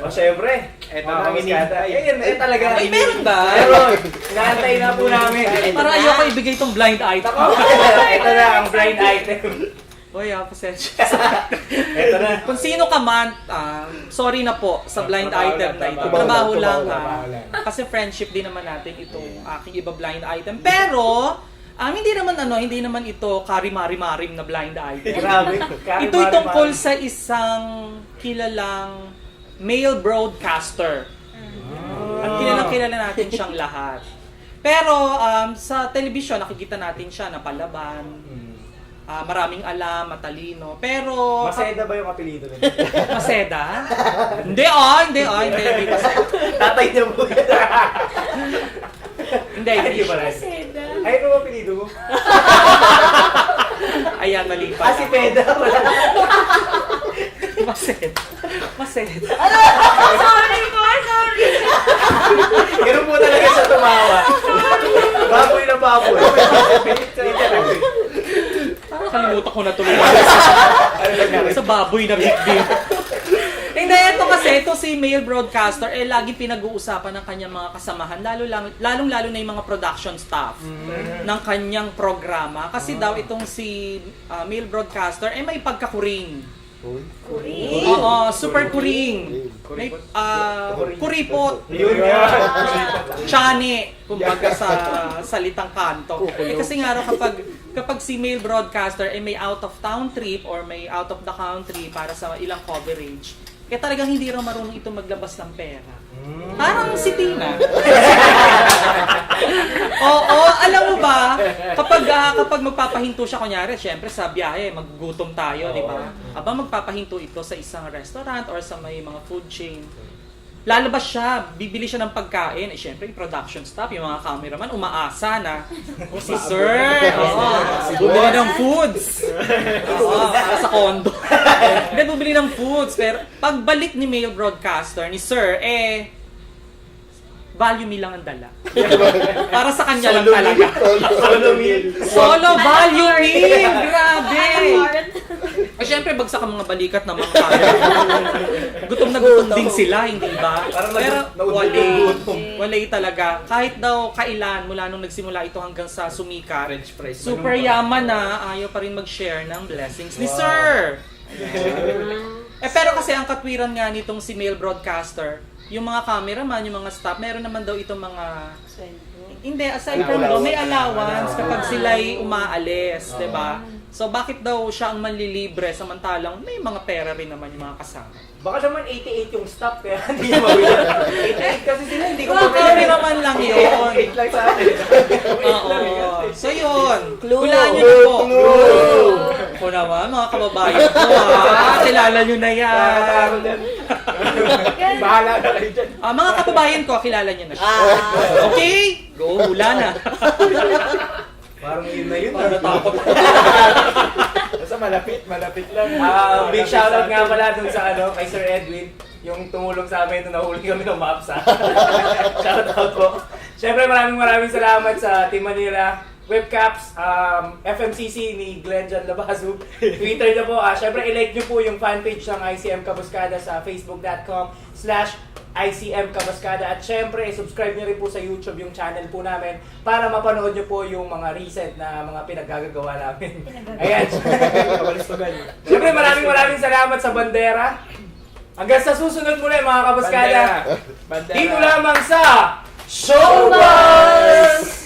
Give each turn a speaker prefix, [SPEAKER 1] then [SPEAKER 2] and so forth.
[SPEAKER 1] O syempre, eto na ang iskata. Eh talaga.
[SPEAKER 2] Ay, meron ba?
[SPEAKER 1] Meron. Inaantay na po namin.
[SPEAKER 2] Parang ayoko ibigay itong blind item.
[SPEAKER 1] Ito na ang blind item.
[SPEAKER 2] Uy, pasensya.
[SPEAKER 1] Ito na.
[SPEAKER 2] Kung sino ka man, sorry na po sa blind item na ito. Trabaho lang. Kasi friendship din naman natin itong aking iba blind item. Pero, hindi naman ito karimari-marim na blind item.
[SPEAKER 1] Grabe.
[SPEAKER 2] Ito'y tungkol sa isang kilalang male broadcaster. At kilala natin siyang lahat. Pero sa television, nakikita natin siya na palaban. Maraming alam, matalino. Pero...
[SPEAKER 1] Maseda ba yung apelido nila?
[SPEAKER 2] Maseda? Hindi Maseda.
[SPEAKER 1] Tatay niya po yan.
[SPEAKER 2] Hindi
[SPEAKER 1] pala.
[SPEAKER 3] Maseda.
[SPEAKER 1] Ay, ano ang apelido mo?
[SPEAKER 2] Ayan, mali pala.
[SPEAKER 1] Si Peda pala.
[SPEAKER 2] Maseda.
[SPEAKER 3] Sorry po, sorry.
[SPEAKER 1] Ganun po talaga siya tumawa. Baboy na baboy. Literal.
[SPEAKER 2] Kalimutan ko na tuloy. Sa baboy na big. Hindi, ito si male broadcaster, laging pinag-uusapan ng kanyang mga kasamahan, lalong-lalo na yung mga production staff ng kanyang programa. Kasi daw itong si male broadcaster, may pagkakuring.
[SPEAKER 3] Kuring.
[SPEAKER 2] Oo, super kuring. May kuripot.
[SPEAKER 1] Yun nga.
[SPEAKER 2] Chani, kumbaga sa salitang kanto. Kasi nga raw kapag si male broadcaster may out of town trip or may out of the country para sa ilang coverage, kaya talagang hindi raw marunong ito maglabas ng pera. Parang si Tina. Oo, alam mo ba, kapag magpapahinto siya, kunyari, syempre sa biyahe, maggutom tayo, di ba? Aba, magpapahinto ito sa isang restaurant or sa may mga food chain. Lalabas siya, bibili siya ng pagkain. Syempre, yung production staff, yung mga cameraman, umaasa na, si Sir, bumili ng foods. Para sa condo. Hindi, bumili ng foods. Pero pagbalik ni male broadcaster, ni Sir, value meal lang ang dala. Para sa kanya lang talaga.
[SPEAKER 1] Solo meal.
[SPEAKER 2] Solo value meal! Grabe! Siyempre, bagsak ang mga balikat ng mga camera. Gutom na gutom din sila, hindi ba? Pero walay talaga. Kahit daw kailan, mula nung nagsimula ito hanggang sa sumikat, super yaman na ayaw pa rin mag-share ng blessings ni Sir. Pero kasi ang katwiran nga nitong si male broadcaster, yung mga cameraman, yung mga staff, meron naman daw itong mga... Hindi, aside from doon, may allowance kapag sila'y umaalis, di ba? So bakit daw siya ang manlilibre samantalang may mga pera rin naman yung mga kasama?
[SPEAKER 1] Baka naman 88 yung stop kaya hindi mo mawila. 88 kasi sila hindi ko
[SPEAKER 2] Kami naman lang yun.
[SPEAKER 1] 8 lang sa atin.
[SPEAKER 2] Oo. So yun.
[SPEAKER 3] Clue.
[SPEAKER 2] Hulaan nyo na po. Ako naman, mga kababayan ko kilala nyo na yan.
[SPEAKER 1] Bahala na kayo dyan.
[SPEAKER 2] Mga kababayan ko, kilala nyo na siya. Okay? Go, hula na.
[SPEAKER 1] Parang yun na yun.
[SPEAKER 2] Natakot.
[SPEAKER 1] Basta malapit lang. Big shoutout nga pala dun sa kay Sir Edwin. Yung tumulong sa amin nung nahuli kami ng MAPSA. Shoutout po. Siyempre maraming salamat sa Team Manila, Webcaps, FMCC ni Glenn John Labazu, Twitter na po. Siyempre i-like nyo po yung fanpage ng ICM Kabuskada sa facebook.com/ICM Kabuskada. At syempre, subscribe nyo rin po sa YouTube yung channel po namin para mapanood nyo po yung mga recent na mga pinaggagawa namin. Ayan. Syempre, maraming salamat sa Bandera. Hanggang sa susunod muli mga Kabuskada. Dito lamang sa Showbuzz!